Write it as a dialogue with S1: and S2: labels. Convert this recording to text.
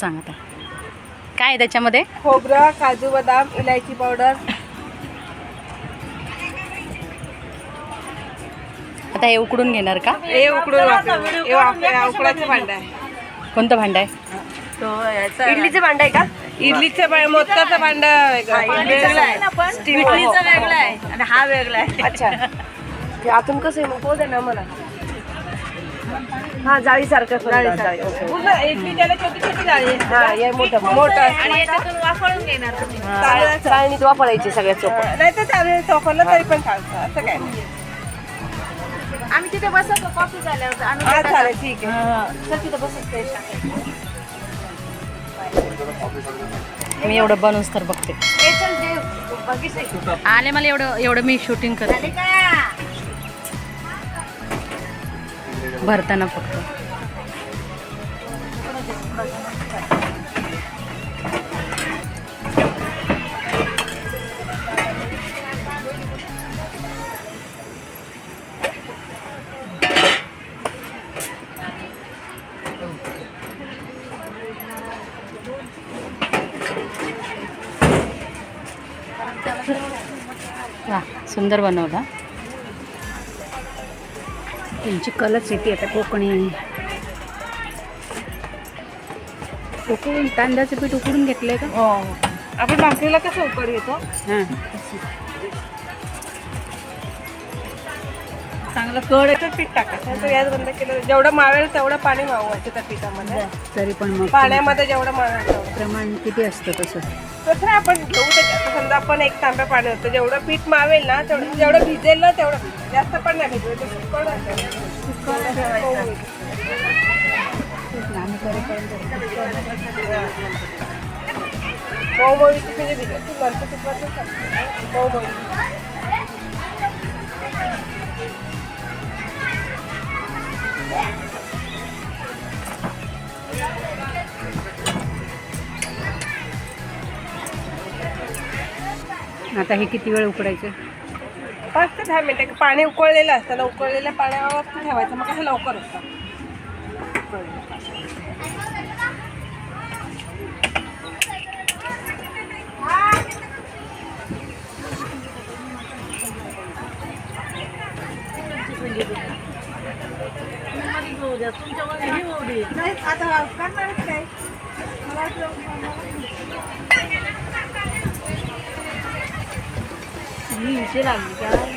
S1: सांग आता काय आहे त्याच्यामध्ये?
S2: खोबरं, काजू, बदाम, इलायची पावडर.
S1: आता हे उकडून घेणार का?
S2: हे उकडून उकडाचं भांडं आहे.
S1: कोणतं भांडं आहे?
S2: इडलीचं भांडं आहे का? इडलीचं मोदकाचं भांडं वेगळं आहे.
S3: इडलीचं वेगळं आहे आणि हा वेगळा आहे.
S2: अच्छा, ते आतून कसं आहे मग पोहोच ना मला. हा, जाळीसारखं इडली त्याला छोटी छोटी जाळी आहे. हा, हे मोठं मोठं
S3: आणि याच्यातून वाफळून घेणार तुम्ही.
S2: चाळणीत वापरायची सगळ्यात सोपं. नाही तर चालेल, चोपरलं तरी पण चालतं, असं काय नाही.
S3: आम्ही तिथे बसतो कॉफी झाल्यावर आणून
S2: हा,
S3: देतात.
S2: चालेल, ठीक आहे.
S3: चल तिथं बसत ते टाकायचं.
S1: मी एवढं बनवूस तर बघते.
S3: ए, चल जे बघितलंय.
S1: आले मला एवढं मी शूटिंग करते
S3: झाली का?
S1: भरताना फक्त. वा, सुंदर बनवला. त्यांची कलच येते आता कोकणी. उकडून तांदळाचं पीठ उकडून घेतलंय का?
S2: हो, आपण भाकरीला कसं उकड घेतो
S1: हां,
S2: चांगलं कड पीठ टाकायचं. तर यात बंद केलं जेवढं मावेल तेवढं पाणी मावायचं त्या पिठामध्ये.
S1: तरी पण मग
S2: पाण्यामध्ये जेवढं मावेल तेवढं
S1: प्रमाण किती असतं तसं?
S2: तसं नाही, आपण घेऊ त्याच्यात. समजा आपण एक तांब्या पाणी होतं, जेवढं पीठ मावेल ना तेवढं, जेवढं भिजेल ना तेवढं. जास्त पण नाही भिजवायचं, मऊमळीची म्हणजे भिजवायची, नंतर तुपाचं मऊमळी.
S1: आता हे किती वेळ उकडायचं?
S2: 5 ते 10 मिनिटं. पाणी उकळलेलं असतं ना, उकळलेल्या पाण्यावर ठेवायचं, मग कसं लवकर होतं. नाही, आता करणारच काय. मला
S3: ही इथे लागली का?